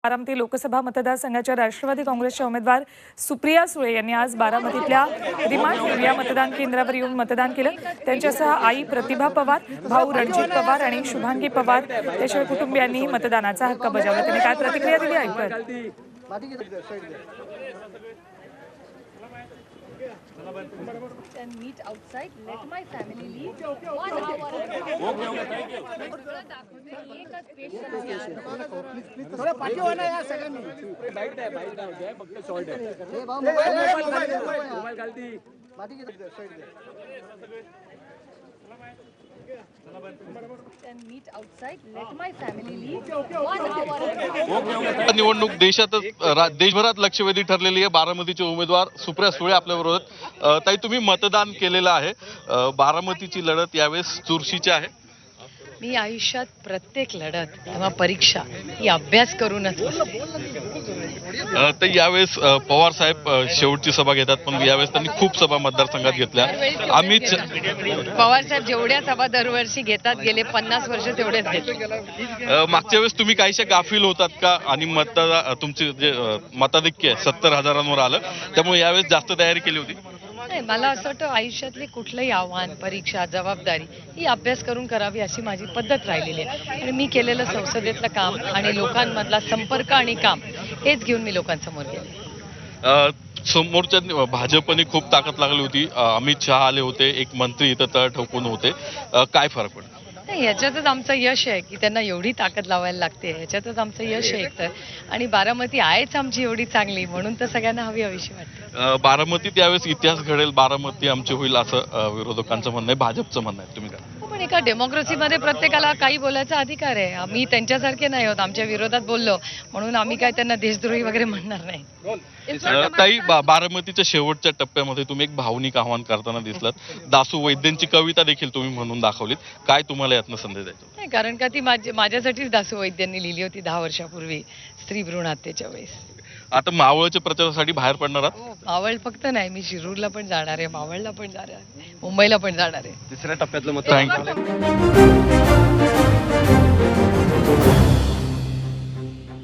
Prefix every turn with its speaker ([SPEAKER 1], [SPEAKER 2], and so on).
[SPEAKER 1] बारामती लोकसभा मतदारसंघाच्या राष्ट्रवादी काँग्रेसच्या उमेदवार सुप्रिया सुळे यांनी आज बारामतीतल्या रिमांड या मतदान केंद्रावर येऊन मतदान केलं। त्यांच्यासह आई प्रतिभा पवार, भाऊ रणजित पवार आणि शुभांगी पवार त्याच्या कुटुंबियांनी मतदानाचा हक्क बजावला। त्यांनी काय प्रतिक्रिया दिली ऐकूया।
[SPEAKER 2] and meet outside. Let my family leave. 1 hour. एकच पेशंट यार.
[SPEAKER 3] थोडं पाठीवर ना या सगळ्यांनी.
[SPEAKER 4] बाईट आहे फक्त शॉर्ट आहे.
[SPEAKER 3] हे भाऊ मोबाईल
[SPEAKER 4] खालती
[SPEAKER 3] पाठी घे साइड दे.
[SPEAKER 2] and meet outside. Let my family leave. 1 hour.
[SPEAKER 5] निवडणूक देशभरात लक्षवेधी ठरलेली आहे। बारामतीचे उमेदवार सुप्रिया सुळे आपल्या विरोधात। ताई, तुम्ही मतदान केलेलं आहे। बारामतीची लढत यावेळेस चुरशीची आहे।
[SPEAKER 6] मी आयुष्यात प्रत्येक लढत किंवा परीक्षा ही अभ्यास करूनच बसते।
[SPEAKER 5] तर यावेळेस पवार साहेब शेवटची सभा घेतात, पण यावेळेस त्यांनी खूप सभा मतदारसंघात घेतल्या। अमित
[SPEAKER 6] पवार साहेब जेवढ्या सभा दरवर्षी घेतात गेले 50 वर्ष तेवढेच घेतात।
[SPEAKER 5] मागच्या वेळेस तुम्ही काहीशा गाफील होतात का? आणि तुमचे जे मताधिक्य आहे 70,000 आलं, त्यामुळे यावेळेस जास्त तयारी केली होती?
[SPEAKER 6] नाही, मला असं वाटतं आयुष्यातली कुठलंही आव्हान, परीक्षा, जबाबदारी ही अभ्यास करून करावी अशी माझी पद्धत राहिलेली आहे। आणि मी केलेलं संसदेतलं काम आणि लोकांमधला संपर्क आणि काम हेच घेऊन मी लोकांसमोर गेले।
[SPEAKER 5] समोरच्या भाजपने खूप ताकद लागली होती। अमित शहा आले होते, एक मंत्री इथं तळ ठोकून होते। काय फरक पडला?
[SPEAKER 6] नाही, याच्यातच आमचं यश आहे की त्यांना एवढी ताकद लावायला लागते, याच्यातच आमचं यश आहे एकतर। आणि बारामती आहेच आमची एवढी चांगली, म्हणून तर सगळ्यांना हवी हवीशी वाटते।
[SPEAKER 5] बारामतीत यावेळेस इतिहास घडेल, बारामती आमची होईल असं विरोधकांचं म्हणणं आहे, भाजपचं म्हणणं आहे। तुम्ही काय?
[SPEAKER 6] पण एका डेमोक्रेसीमध्ये प्रत्येकाला काही बोलायचा अधिकार आहे। आम्ही त्यांच्यासारखे नाही होत, आमच्या विरोधात बोललो म्हणून आम्ही काय त्यांना देशद्रोही वगैरे म्हणणार नाही।
[SPEAKER 5] ताई, बारामतीच्या शेवटच्या टप्प्यामध्ये तुम्ही एक भावनिक आव्हान करताना दिसलात। दासू वैद्यांची कविता देखील तुम्ही म्हणून दाखवलीत। काय तुम्हाला यातनं संदेश द्यायचा?
[SPEAKER 6] नाही, कारण का ती माझ्यासाठीच दासू वैद्यांनी लिहिली होती 10 वर्षापूर्वी स्त्री भ्रूण हत्येच्या वेळेस।
[SPEAKER 5] आता मावळच्या प्रचारासाठी बाहेर पडणार आहात?
[SPEAKER 6] मावळ फक्त नाही, मी शिरूरला पण जाणार आहे, मावळला पण जाणार आहे, मुंबईला पण जाणार आहे।
[SPEAKER 4] तिसऱ्या टप्प्यातलं मत.
[SPEAKER 5] थँक्यू.